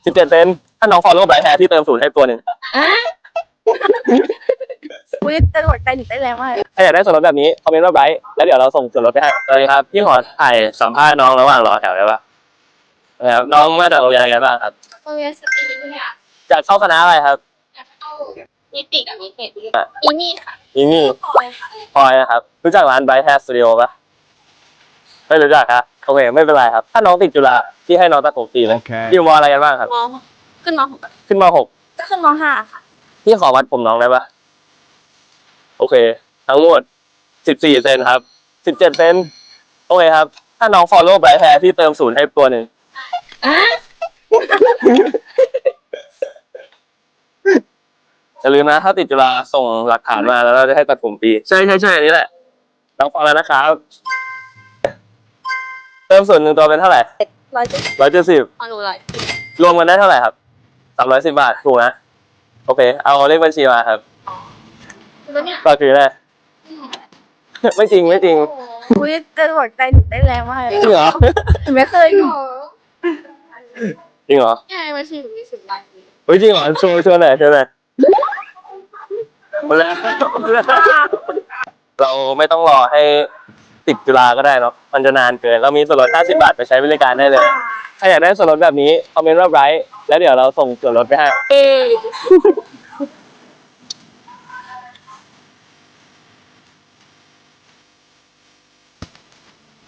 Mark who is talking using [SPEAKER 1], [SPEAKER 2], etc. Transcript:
[SPEAKER 1] 17 เซนถ้าน้องฟอลโล่ไบรท์แฮร์ที่เติมศูนย์ให้ตัวหนึ่ง
[SPEAKER 2] อุ้ยจะหัวใจหนูได้แรงมาก
[SPEAKER 1] ถ้าอยากได้ส่วนลดแบบนี้คอมเมนต์ว่าไบรท์แล้วเดี๋ยวเราส่งส่วนลดไปให้สวัสดีครับพี่ขอถ่ายสัมภาษณ์น้องระหว่างรอแถวได้ปะนะครับน้องมาจากโรงเรียนอะไรบ้างครับ
[SPEAKER 2] โรงเรียนสตรีเนี่ย
[SPEAKER 1] จากเข้าคณะอะไรครับ
[SPEAKER 2] เข้านิติกับนิเทศอีมี่ค่ะ
[SPEAKER 1] นี่
[SPEAKER 2] พลอยค่ะ
[SPEAKER 1] พลอยนะครับรู้จักร้านไบรท์แฮร์สตูดิโอปะไม่รู้จักครับโอเคไม่เป็นไรครับถ้าน้องติดจุฬาที่ให้น้องตัดผมฟรีเลยอยู่มอะไรกันบ้างครับ
[SPEAKER 2] มขึ้นมหก
[SPEAKER 1] ขึ้นม .6
[SPEAKER 2] ก็ขึ้นมห้าค่ะ
[SPEAKER 1] พี่ขอวัดผมน้องได้ปะโอเค ทั้งหมด14 เซนครับ17 เซนโอเคครับถ้าน้องฟอลโล่ไบรท์แฮร์ที่เติมศูนย์ให้ตัวหนึ่งอย่าลืมนะถ้าติดจุฬาส่งหลักฐานมาแล้วเราจะให้ตัดผมฟรีใช่อันนี้แหละน้องฟอลแล้วนะครับเติมศูนย์หนึ่งตัวเป็นเท่าไหร่ 170
[SPEAKER 2] เอาหนูเลย
[SPEAKER 1] รวมกันได้เท่าไหร่ครับ310 บาทถูกนะโอเคเอาเลขบัญชีมาครับ
[SPEAKER 2] แล้วเนี่ย
[SPEAKER 1] ก็คือได้ ไม่จริง
[SPEAKER 2] อุ้ยจะหัวใจหนูได้แรงมาก
[SPEAKER 1] จริงเหรอ
[SPEAKER 2] หนูไม่เคยอยู่
[SPEAKER 1] จริงเหรอ
[SPEAKER 2] ใช่ไม่ใช่หนูมี10 บาท
[SPEAKER 1] เฮ้ยจริงเหรอชวนหน่อยหมดแล้วเราไม่ต้องรอให้ติดจุฬาก็ได้เนาะมันจะนานเกินเรามีส่วนลด50 บาทไปใช้บริการได้เลยถ้าอยากได้ส่วนลดแบบนี้คอมเมนต์ว่าไบรท์แล้วเดี๋ยวเราส่งส่วนลดไปให้